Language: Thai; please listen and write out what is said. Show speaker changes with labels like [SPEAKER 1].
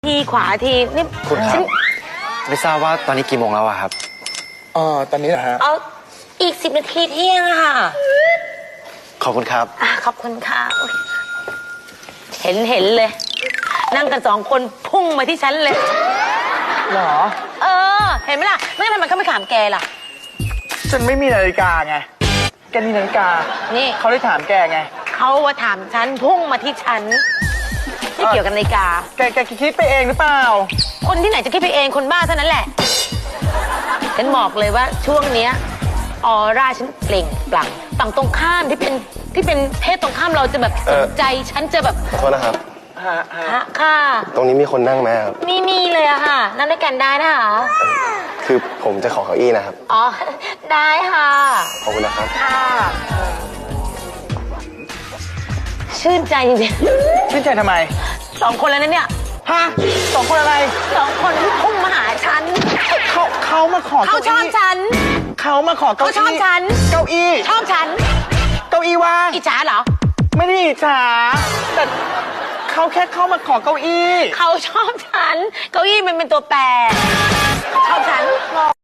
[SPEAKER 1] ทีขวาทีนี่
[SPEAKER 2] คุณครับไม่ทราบว่าตอนนี้กี่โมงแล้วอะครับ
[SPEAKER 3] ตอนนี้เหรอฮะ
[SPEAKER 1] เอาอีก10 นาทีเที่ยงอะค่ะ
[SPEAKER 2] ขอบคุณครับ
[SPEAKER 1] ขอบคุณค่ะเห็นเลย นั่งกัน2 คนพุ่งมาที่ฉันเลย
[SPEAKER 3] หรอ
[SPEAKER 1] เห็นไหมล่ะไม่งั้นทำไมเขาไม่ถามแกล่ะ
[SPEAKER 3] ฉันไม่มีนาฬิกาไงแกมีนาฬิกา
[SPEAKER 1] นี่
[SPEAKER 3] เขาได้ถามแกไง
[SPEAKER 1] เขาว่าถามฉันพุ่งมาที่ฉันไม่เกี่ยวกับนาฬิกา
[SPEAKER 3] แกคิดไปเองหรือเปล่า
[SPEAKER 1] คนที่ไหนจะคิดไปเองคนบ้าเท่านั้นแหละฉันบอกเลยว่าช่วงเนี้ยออร่าฉันเปล่งปลั่งฝั่งตรงข้ามที่เป็นเพศตรงข้ามเราจะแบบสนใจฉันจะแบบ
[SPEAKER 2] ขอโทษนะครับ
[SPEAKER 1] ค่ะ
[SPEAKER 2] ตรงนี้มีคนนั่งไหมครับ
[SPEAKER 1] ไม่มีเลยอะค่ะนั่งด้วยกันได้นะคะ
[SPEAKER 2] คือผมจะขอเก้าอี้นะครับ
[SPEAKER 1] ได้ค่ะ
[SPEAKER 2] ขอบคุณนะครับ
[SPEAKER 1] ค่ะชื่นใจจริง
[SPEAKER 3] ชื่นใจทำไม
[SPEAKER 1] 2 คนแล้วนะเนี่ย
[SPEAKER 3] 2 คนอะไร
[SPEAKER 1] 2 คนที่พุ่งมาหาฉัน
[SPEAKER 3] เขามาขอ
[SPEAKER 1] เขาชอบฉัน
[SPEAKER 3] เขามาขอเก้าอี้
[SPEAKER 1] เขาชอบฉัน
[SPEAKER 3] เก้าอี้
[SPEAKER 1] ชอบฉัน
[SPEAKER 3] เก้าอี้ว่าง
[SPEAKER 1] อิจฉาเหรอ
[SPEAKER 3] ไม่ได้อิจฉาแต่เขาแค่เข้ามาขอเก้าอี้
[SPEAKER 1] เขาชอบฉันเก้าอี้มันเป็นตัวแปรชอบฉัน